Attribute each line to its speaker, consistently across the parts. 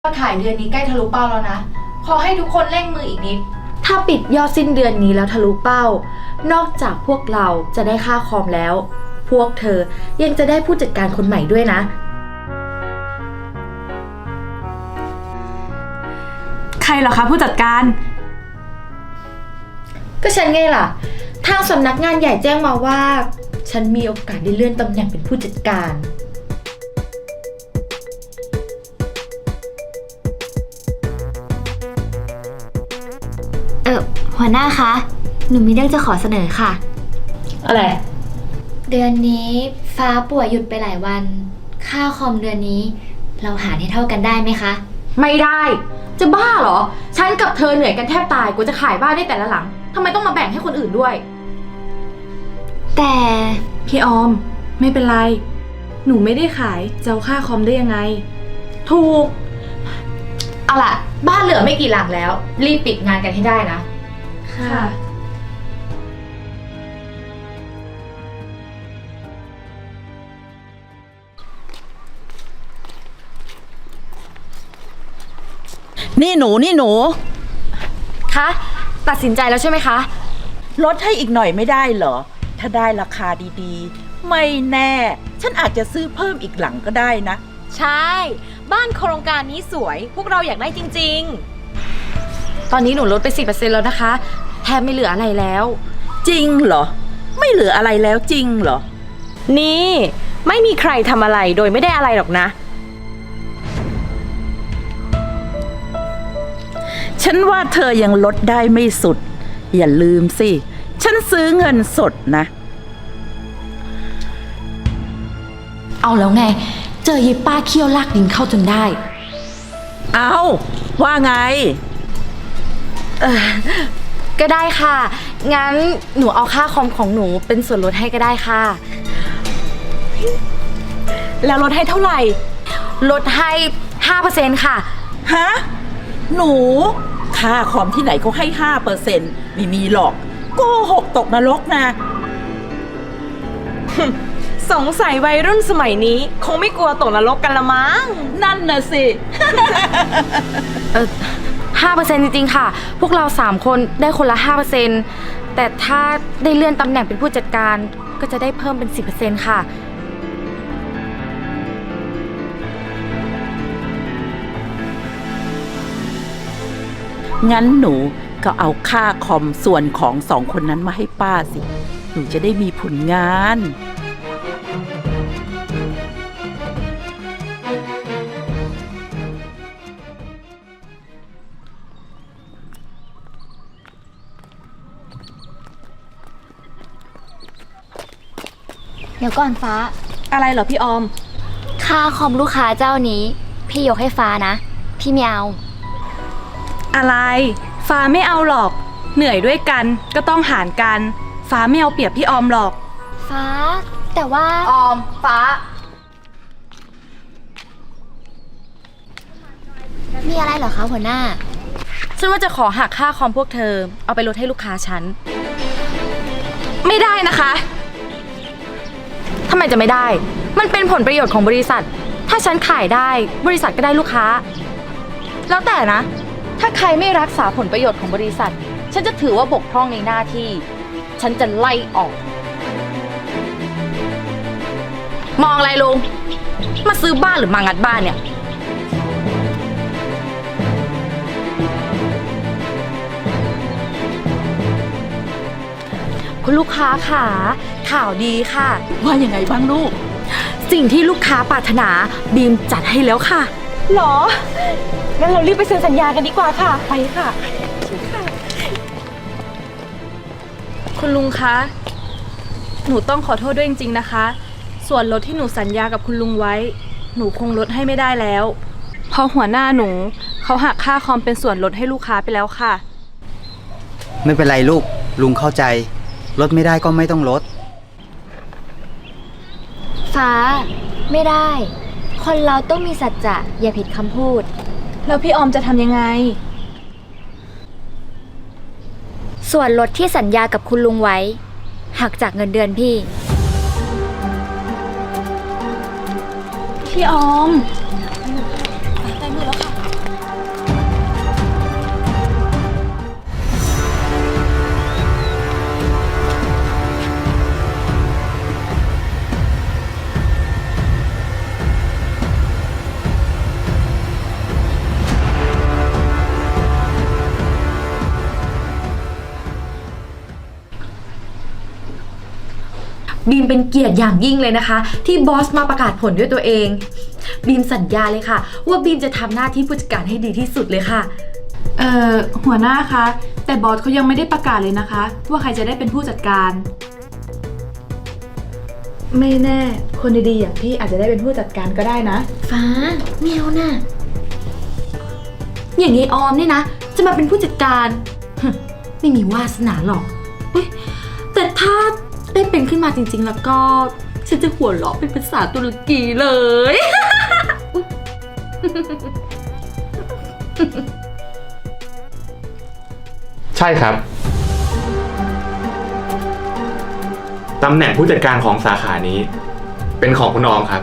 Speaker 1: ยอดขายเดือนนี้ใกล้ทะลุเป้าแล้วนะขอให้ทุกคนเร่งมืออีกนิดถ้าปิดยอดสิ้นเดือนนี้แล้วทะลุเป้านอกจากพวกเราจะได้ค่าคอมแล้ว พวกเธอยังจะได้ผู้จัดการคนใหม่ด้วยนะ
Speaker 2: ใครเหรอคะผู้จัดการ
Speaker 1: ก็ฉันไงล่ะทางสำนักงานใหญ่แจ้งมาว่าฉันมีโอกาสได้เลื่อนตำแหน่งเป็นผู้จัดการ
Speaker 3: หัวหน้าคะ หนูมีเรื่องจะขอเสนอค่ะ
Speaker 1: อะไร
Speaker 3: เดือนนี้ฟ้าป่วยหยุดไปหลายวัน ค่าคอมเดือนนี้เราหารให้เท่ากันได้ไหมคะ
Speaker 1: ไม่ได้จะบ้าเหรอฉันกับเธอเหนื่อยกันแทบตายกูจะขายบ้านได้แต่ละหลังทำไมต้องมาแบ่งให้คนอื่นด้วย
Speaker 3: แต่
Speaker 2: พี่ออมไม่เป็นไรหนูไม่ได้ขายจะเอาค่าคอมได้ยังไง
Speaker 1: ถูกเอาล่ะบ้านเหลือไม่กี่หลังแล้วรีบปิดงานกันให้ได้นะ
Speaker 2: ค่ะ
Speaker 4: นี่หนู
Speaker 1: คะตัดสินใจแล้วใช่ไหมคะ
Speaker 4: ลดให้อีกหน่อยไม่ได้เหรอถ้าได้ราคาดีๆไม่แน่ฉันอาจจะซื้อเพิ่มอีกหลังก็ได้นะ
Speaker 5: ใช่บ้านโครงการนี้สวยพวกเราอยากได้จริง
Speaker 1: ตอนนี้หนูลดไป 10% แล้วนะคะแทบไม่เหลืออะไรแล้ว
Speaker 4: จริงเหรอไม่เหลืออะไรแล้วจริงเหรอ
Speaker 5: นี่ไม่มีใครทำอะไรโดยไม่ได้อะไรหรอกนะ
Speaker 4: ฉันว่าเธอยังลดได้ไม่สุดอย่าลืมสิฉันซื้อเงินสดนะ
Speaker 1: เอาแล้วไงเจอยีป้าเคี่ยวลากดินเข้าจนได้
Speaker 4: เอาว่าไง
Speaker 1: ก็ได้ค่ะงั้นหนูเอาค่าคอมของหนูเป็นส่วนลดให้ก็ได้ค่ะ
Speaker 5: แล้วลดให้เท่าไหร่
Speaker 1: ลดให้ 5% ค่ะ
Speaker 4: ฮะหนูค่าคอมที่ไหนเขาให้ 5% ไม่มีหรอกโกหกตกนรกนะ
Speaker 5: สงสัยวัยรุ่นสมัยนี้คงไม่กลัวตกนรกกันละมั้ง
Speaker 4: นั่นน่ะสิ
Speaker 1: 5% จริงๆค่ะพวกเรา3คนได้คนละ 5% แต่ถ้าได้เลื่อนตำแหน่งเป็นผู้จัดการก็จะได้เพิ่มเป็น 10% ค่ะ
Speaker 4: งั้นหนูก็เอาค่าคอมส่วนของ2 คนนั้นมาให้ป้าสิหนูจะได้มีผลงาน
Speaker 3: เดี๋ยวก่อนฟ้า
Speaker 2: อะไรเหรอพี่ออม
Speaker 3: ค่าคอมลูกค้าเจ้านี้พี่ยกให้ฟ้านะพี่ไม่เอา
Speaker 2: อะไรฟ้าไม่เอาหรอกเหนื่อยด้วยกันก็ต้องหารกันฟ้าไม่เอาเปรียบพี่ออมหรอก
Speaker 3: ฟ้าแต่ว่า
Speaker 1: ออมฟ้า
Speaker 3: มีอะไรเหรอคะหัวหน้า
Speaker 1: ฉันว่าจะขอหักค่าคอมพวกเธอเอาไปลดให้ลูกค้าฉันไม่ได้นะคะทำไมจะไม่ได้มันเป็นผลประโยชน์ของบริษัทถ้าฉันขายได้บริษัทก็ได้ลูกค้าแล้วแต่นะถ้าใครไม่รักษาผลประโยชน์ของบริษัทฉันจะถือว่าบกพร่องในหน้าที่ฉันจะไล่ออกมองอะไรลุงมาซื้อบ้านหรือมางัดบ้านเนี่ยคุณลูกค้าค่ะข่าวดีค่ะ
Speaker 4: ว่ายังไงบ้างลูก
Speaker 1: สิ่งที่ลูกค้าปรารถนาบีมจัดให้แล้วค่ะ
Speaker 5: หรองั้นเรารีบไปเซ็นสัญญากันดีกว่าค่ะ
Speaker 1: ไปค่ะ
Speaker 2: คุณลุงคะหนูต้องขอโทษด้วยจริงๆนะคะส่วนลดที่หนูสัญญากับคุณลุงไว้หนูคงลดให้ไม่ได้แล้วเพราะหัวหน้าหนูเขาหักค่าคอมเป็นส่วนลดให้ลูกค้าไปแล้วค่ะ
Speaker 6: ไม่เป็นไรลูกลุงเข้าใจลดไม่ได้ก็ไม่ต้องลด
Speaker 3: ฟ้าไม่ได้คนเราต้องมีสัจจะอย่าผิดคำพูด
Speaker 2: แล้วพี่ออมจะทำยังไง
Speaker 3: ส่วนลดที่สัญญากับคุณลุงไว้หักจากเงินเดือนพี่
Speaker 2: พี่ออม
Speaker 1: ได้มือแล้วค่ะบีมเป็นเกียรติอย่างยิ่งเลยนะคะ ที่บอสมาประกาศผลด้วยตัวเอง บีมสัญญาเลยค่ะ ว่าบีมจะทำหน้าที่ผู้จัดการให้ดีที่สุดเลยค่ะ
Speaker 2: หัวหน้าคะ แต่บอสเขายังไม่ได้ประกาศเลยนะคะ ว่าใครจะได้เป็นผู้จัดการ ไม่แน่ คนดีๆอย่างพี่อาจจะได้เป็นผู้จัดการก็ได้นะ
Speaker 3: ฟ้าเมียวน่ะ
Speaker 1: อย่างนี้ออมนี่นะ จะมาเป็นผู้จัดการ ไม่มีวาสนาหรอกอุ๊ยแต่ถ้าได้เป็นขึ้นมาจริงๆแล้วก็ฉันจะหัวเราะเป็นภาษาตุรกีเลย
Speaker 7: ใช่ครับ ตำแหน่งผู้จัดการของสาขานี้ เป็นของคุณออมครับ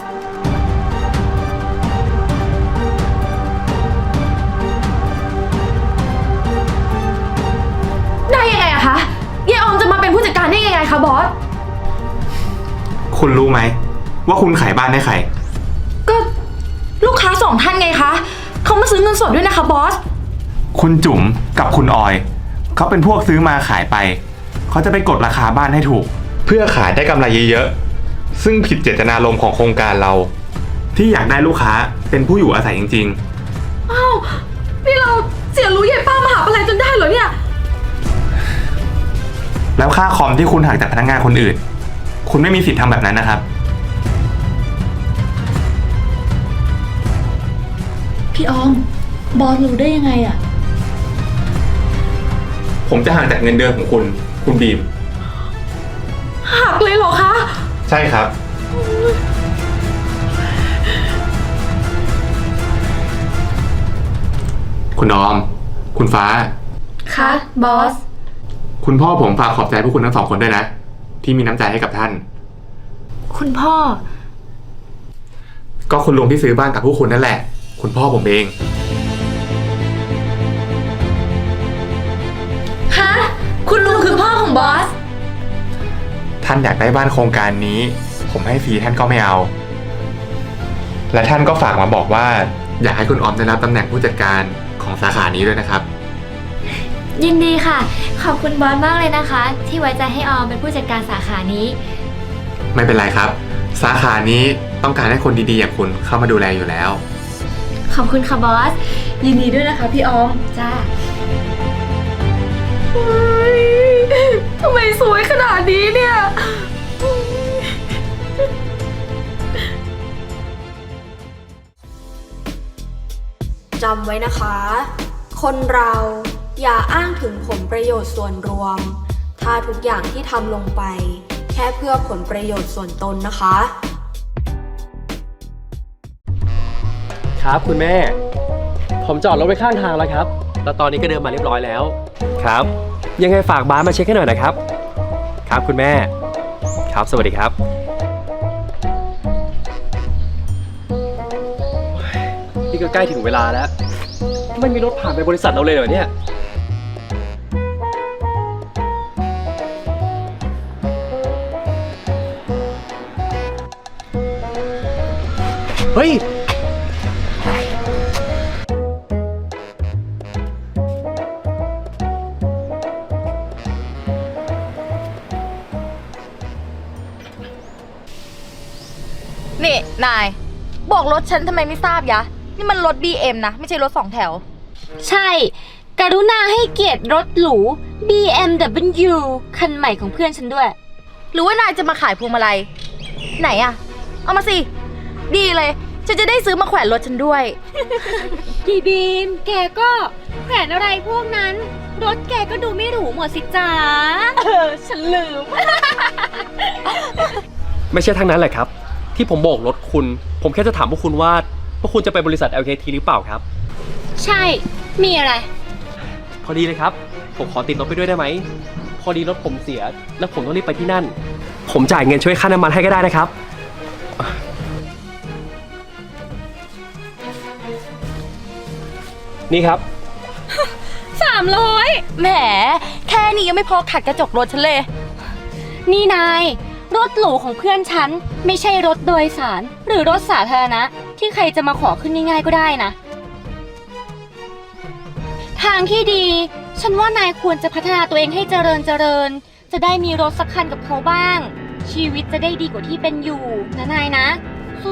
Speaker 1: ได้ยังไงอะคะยายออมจะมาเป็นผู้จัดการได้ยังไงคะบอส
Speaker 7: คุณรู้ไหมว่าคุณขายบ้านให้ใคร
Speaker 1: ก็ลูกค้า2 ท่านไงคะ เขามาซื้อเงินสดด้วยนะคะบอส
Speaker 7: คุณจุ๋มกับคุณออย เขาเป็นพวกซื้อมาขายไป เขาจะไปกดราคาบ้านให้ถูก เพื่อขายได้กำไรเยอะๆ ซึ่งผิดเจตนารมณ์ของโครงการเรา ที่อยากได้ลูกค้าเป็นผู้อยู่อาศัยจริง
Speaker 1: อ้าว นี่เราเสียรู้ยายป้ามหาอะไรจนได้เหรอเนี่ย
Speaker 7: ๆ แล้วค่าคอมที่คุณหักจากพนักงานคนอื่น คุณไม่มีสิทธิ์ทำแบบนั้นนะครับ
Speaker 2: พี่ออม บอสรู้ได้ยังไงอะ
Speaker 7: ผมจะหักจากเงินเดือนของคุณบีม
Speaker 1: หักเลยเหรอคะ
Speaker 7: ใช่ครับ คุณออม คุณฟ้า
Speaker 1: คะบอส
Speaker 7: คุณพ่อผมฝากขอบใจพวกคุณทั้ง2 คนด้วยนะ ที่มีน้ำใจให้กับท่าน
Speaker 1: คุณพ่อ
Speaker 7: ก็คุณลุงที่ซื้อบ้านกับพวกคุณนั่นแหละ คุณพ่อผมเอง
Speaker 1: ฮะ คุณลุงคือพ่อของบอส
Speaker 7: ท่านอยากได้บ้านโครงการนี้ ผมให้ฟรีท่านก็ไม่เอา และท่านก็ฝากมาบอกว่า อยากให้คุณออมได้รับตำแหน่งผู้จัดการของสาขานี้ด้วยนะครับ
Speaker 3: ยินดีค่ะ ขอบคุณบอสมากเลยนะคะ ที่ไว้ใจให้ออมเป็นผู้จัดการสาขานี้
Speaker 7: ไม่เป็นไรครับ สาขานี้ต้องการให้คนดีๆอย่างคุณเข้ามาดูแลอยู่แล้ว
Speaker 3: ขอบคุณค่ะบอส
Speaker 2: ยินดีด้วยนะคะพี่ออม
Speaker 3: จ้า
Speaker 1: ทำไมสวยขนาดนี้เนี่ย
Speaker 8: จำไว้นะคะ คนเราอย่าอ้างถึงผลประโยชน์ส่วนรวม ถ้าทุกอย่างที่ทำลงไป แค่เพื่อผลประโยชน์ส่วนตนนะคะ
Speaker 9: ครับคุณแม่ ผมจอดรถไว้ข้างทางแล้วครับ แล้วตอนนี้ก็เดินมาเรียบร้อยแล้ว ครับ ยังไงฝากบาสมาเช็คให้หน่อยนะครับ ครับคุณแม่ ครับสวัสดีครับ นี่ก็ใกล้ถึงเวลาแล้ว ไม่มีรถผ่านไปบริษัทเราเลยเหรอเนี่ย เฮ้ย
Speaker 1: นี่ นาย บอกรถฉันทำไมไม่ทราบยะ นี่มันรถ BM นะ ไม่ใช่รถ2 แถว
Speaker 3: ใช่ กรุณาให้เกียรติรถหรู BMW คันใหม่ของเพื่อนฉันด้วย
Speaker 1: หรือว่านายจะมาขายพวงมาลัย ไหนอะเอามาสิ ดีเลย ฉันจะได้ซื้อมาแขวนรถฉันด้วย
Speaker 3: พี่บีม แกก็แขวนอะไรพวกนั้น รถแกก็ดูไม่หรูหมดสิจ๋า
Speaker 1: ฉันลืม
Speaker 9: ไม่ใช่ทั้งนั้นแหละครับ ที่ผมโบกรถคุณ ผมแค่จะถามพวกคุณว่าพวกคุณจะไปบริษัท LKT หรือเปล่าครับ
Speaker 3: ใช่ มีอะไร
Speaker 9: พอดีเลยครับ ผมขอติดรถไปด้วยได้ไหม พอดีรถผมเสีย แล้วผมต้องรีบไปที่นั่น ผมจ่ายเงินช่วยค่าน้ำมันให้ก็ได้นะครับ นี่ครับ
Speaker 3: 300
Speaker 1: แหม แค่นี้ยังไม่พอขัดกระจกรถฉันเลย
Speaker 3: นี่นาย รถหรูของเพื่อนฉัน ไม่ใช่รถโดยสาร หรือรถสาธารณะ ที่ใครจะมาขอขึ้นง่ายๆก็ได้นะ ทางที่ดี ฉันว่านายควรจะพัฒนาตัวเองให้เจริญ จะได้มีรถสักคันกับเขาบ้างชีวิตจะได้ดีกว่าที่เป็นอยู่นะนายนะ สู้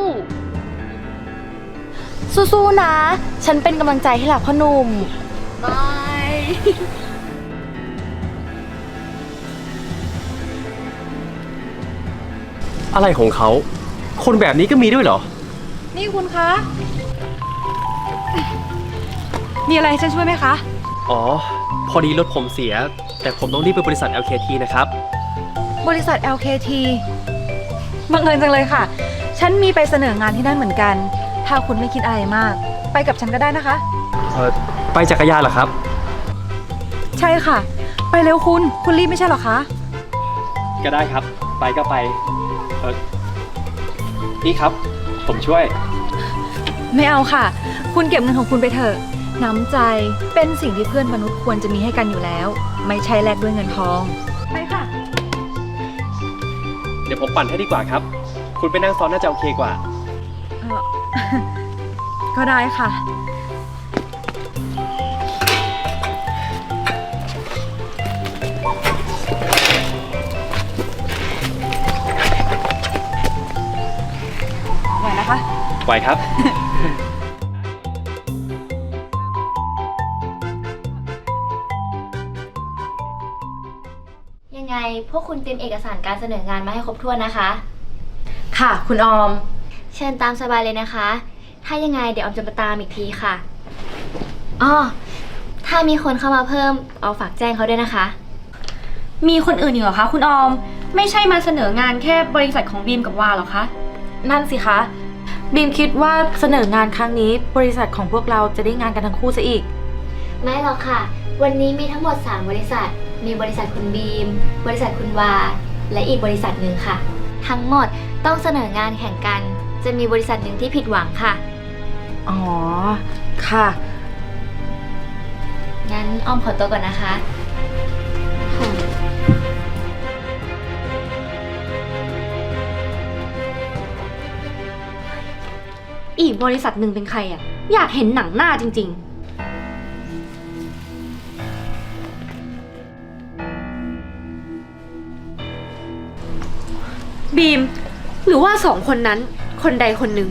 Speaker 1: สู้ๆนะ ฉันเป็นกำลังใจให้หล่ะพ่อหนุ่ม
Speaker 3: ๆบาย
Speaker 9: อะไรของเขา คนแบบนี้ก็มีด้วยเหรอ
Speaker 2: นี่คุณคะ มีอะไรให้ฉันช่วยไหมคะ
Speaker 9: อ๋อ พอดีรถผมเสีย แต่ผมต้องรีบไปบริษัท LKT นะครับ
Speaker 2: บริษัท LKT บังเอิญจังเลยค่ะ ฉันมีไปเสนองานที่นั่นเหมือนกัน ถ้าคุณไม่คิดอะไรมาก ไปกับฉันก็ได้นะคะ
Speaker 9: ไปจักรยานเหรอครับ
Speaker 2: ใช่ค่ะ ไปเร็วคุณรีบไม่ใช่เหรอคะ
Speaker 9: ก็ได้ครับ ไปก็ไป นี่ครับ ผมช่วย
Speaker 2: ไม่เอาค่ะ คุณเก็บเงินของคุณไปเถอะ น้ำใจเป็นสิ่งที่เพื่อนมนุษย์ควรจะมีให้กันอยู่แล้ว ไม่ใช่แลกด้วยเงินทอง ไปค่ะ
Speaker 9: เดี๋ยวผมปั่นให้ดีกว่าครับ คุณไปนั่งซ้อนน่าจะโอเคกว่า
Speaker 2: ก็ได้ค่ะ ไหวนะคะ
Speaker 9: ไหวครับ
Speaker 3: ยังไงพวกคุณเตรียมเอกสารการเสนองานมาให้ครบถ้วนนะคะ
Speaker 1: ค่ะ คุณออม
Speaker 3: เชิญตามสบายเลยนะคะ ถ้ายังไงเดี๋ยวออมจะมาตามอีกทีค่ะอ้อถ้ามีคนเข้ามาเพิ่มเอาฝากแจ้งเขาด้วยนะคะ มีคนอื่นอีกเหรอคะคุณออม ไม่ใช่มาเสนองานแค่บริษัทของบีมกับวาหรอคะ
Speaker 1: นั่นสิคะ บีมคิดว่าเสนองานครั้งนี้บริษัทของพวกเราจะได้งานกันทั้งคู่ซะอีก
Speaker 3: ไม่หรอกค่ะ วันนี้มีทั้งหมด 3 บริษัท มีบริษัทคุณบีม บริษัทคุณวา และอีกบริษัทหนึ่งค่ะ ทั้งหมดต้องเสนองานแข่งกัน จะมีบริษัทหนึ่งที่ผิดหวังค่ะ
Speaker 1: อ๋อ ค่ะ
Speaker 3: งั้นอ้อมขอตัวก่อนนะคะ อีกบริษัทหนึ่งเป็นใครอ่ะ อยากเห็นหนังหน้าจริงๆ บีม หรือว่าสองคนนั้นคนใดคนหนึ่ง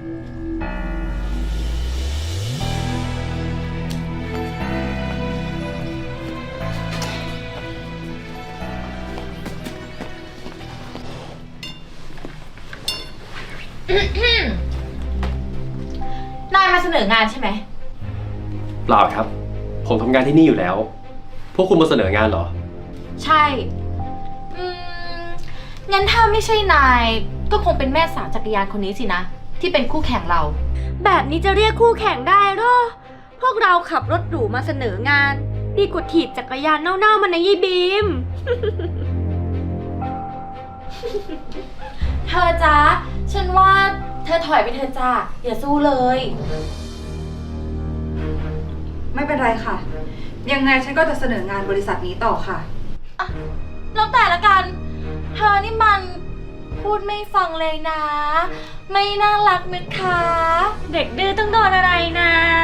Speaker 1: นายมาเสนองานใช่ไหม
Speaker 9: เปล่าครับ ผมทำงานที่นี่อยู่แล้ว พวกคุณมาเสนองานเหรอ
Speaker 1: ใช่ งั้นถ้าไม่ใช่นายก็คงเป็นแม่สาวจักรยานคนนี้สินะ ที่เป็นคู่แข่งเรา
Speaker 3: แบบนี้จะเรียกคู่แข่งได้หรอ พวกเราขับรถหรูมาเสนองาน ดีกว่าถีบจักรยานเน่าๆมันนะยี่บีม
Speaker 1: เธอจ๊ะ ฉันว่าเธอถอยไปเธอจ้าอย่าสู้เลย
Speaker 2: ไม่เป็นไรค่ะ ยังไงฉันก็จะเสนองานบริษัทนี้ต่อค่ะ
Speaker 1: แล้วแต่ละกัน เธอนี่มันพูดไม่ฟังเลยนะ ไม่น่ารักนะคะ
Speaker 3: เด็กดื้อต้องโดนอะไรนะ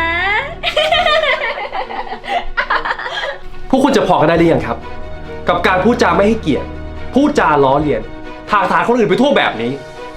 Speaker 9: พวกคุณจะพอกันได้หรือยังครับ กับการพูดจาไม่ให้เกียรติพูดจาล้อเลียนถากถางคนอื่นไปทั่วแบบนี้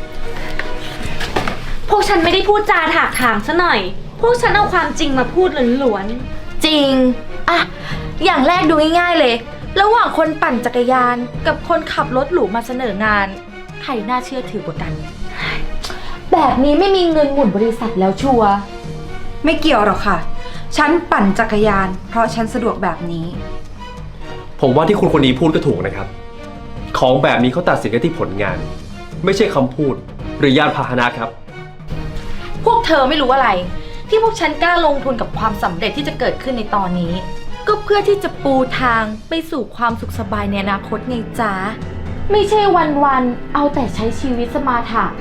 Speaker 3: พวกฉันไม่ได้พูดจาถากถางซะหน่อย พวกฉันเอาความจริงมาพูดล้วน
Speaker 1: จริง อ่ะ อย่างแรกดูง่ายๆเลย ระหว่างคนปั่นจักรยานกับคนขับรถหรูมาเสนองาน ใครน่าเชื่อถือกว่ากัน แบบนี้ไม่มีเงินหมุนบริษัทแล้วชัวร์
Speaker 2: ไม่เกี่ยวหรอกค่ะ ฉันปั่นจักรยาน เพราะฉันสะดวกแบบนี้
Speaker 9: ผมว่าที่คุณคนนี้พูดก็ถูกนะครับ ของแบบนี้เขาตัดสินกันที่ผลงาน ไม่ใช่คำพูดหรือยานพาหนะครับ
Speaker 1: พวกเธอไม่รู้อะไร ที่พวกฉันกล้าลงทุนกับความสำเร็จที่จะเกิดขึ้นในตอนนี้ ก็เพื่อที่จะปูทางไปสู่ความสุขสบายในอนาคตไงจ๊ะ ไม่ใช่วันๆเอาแต่ใช้ชีวิตสมาถะ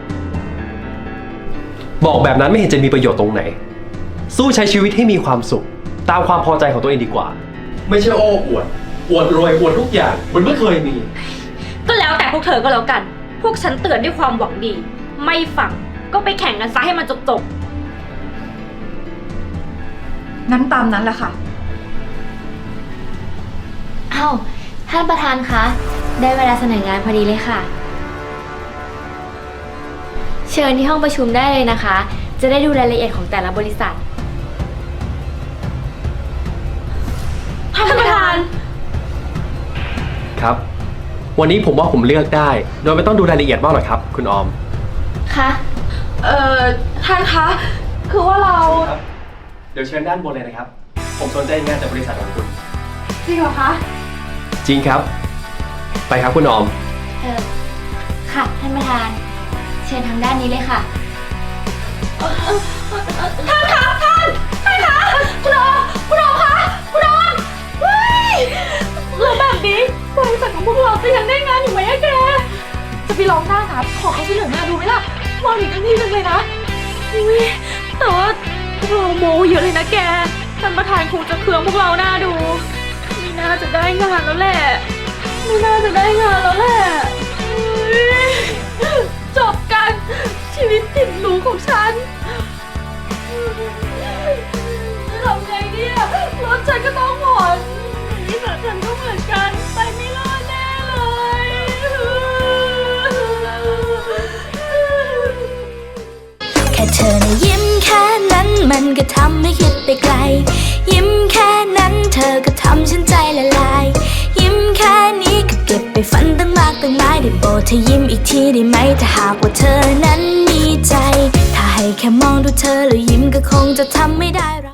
Speaker 9: บอกแบบนั้นไม่เห็นจะมีประโยชน์ตรงไหน สู้ใช้ชีวิตให้มีความสุข ตามความพอใจของตัวเองดีกว่า ไม่ใช่โอ้อวดรวยอวดทุกอย่างเหมือนไม่เคยมี
Speaker 3: ๆ ก็แล้วแต่พวกเธอก็แล้วกัน พวกฉันเตือนด้วยความหวังดี ไม่ฟังก็ไปแข่งกันซะให้มันจบ
Speaker 2: งั้นตามนั้นแหละค่ะ
Speaker 3: อ้าวท่านประธานคะได้เวลาเสนองานพอดีเลยค่ะ เชิญที่ห้องประชุมได้เลยนะคะ จะได้ดูรายละเอียดของแต่ละบริษัท
Speaker 2: ท่านประธาน
Speaker 9: ครับ วันนี้ผมว่าผมเลือกได้ โดยไม่ต้องดูรายละเอียดมากหรอกครับ คุณออม
Speaker 3: ค่ะ
Speaker 2: ท่านคะ คือว่าเรา
Speaker 9: ครับ เดี๋ยวเชิญด้านบนเลยนะครับ ผมสนใจงานจากบริษัทของคุณ
Speaker 2: จริงเหรอคะ
Speaker 9: จริงครับ ไปครับคุณออม
Speaker 3: ค่ะท่านประธาน เชิญทางด้านนี้เลยค่ะ
Speaker 2: ท่านคะท่านคะคุณออมคะคุณออมเฮ้ยแล้วแบบนี้บริษัทของพวกเราจะยังได้งานอยู่ไหมอะแก จะไปลองหน้าครับขอเขาเสนอหน้าดูไหมล่ะมองอีกทันทีนึงเลยนะอุ๊ยแต่ว่าพวกเราโมเยอะเลยนะแกท่านประธานคงจะเคืองพวกเราหน้าดูไม่น่าจะได้งานแล้วแหละไม่น่าจะได้งานแล้วแหละอุ๊ยจบกันชีวิตติดหรูของฉัน ทำไงเนี่ยรถฉันก็ต้องผ่อนบริษัทฉันก็เหมือนกัน ไปไม่รอดแน่เลย
Speaker 10: แค่เธอนะยิ้มแค่นั้นมันก็ทำให้คิดไปไกล ยิ้มแค่นั้นเธอก็ทำฉันใจละลาย ยิ้มแค่นี้ก็เก็บไปฝันตั้งมากตั้งหลายได้โปรดเธอยิ้มอีกทีได้ไหมถ้าหากว่าเธอนั้นมีใจ ถ้าให้แค่มองดูเธอแล้วยิ้มก็คงจะทำไม่ได้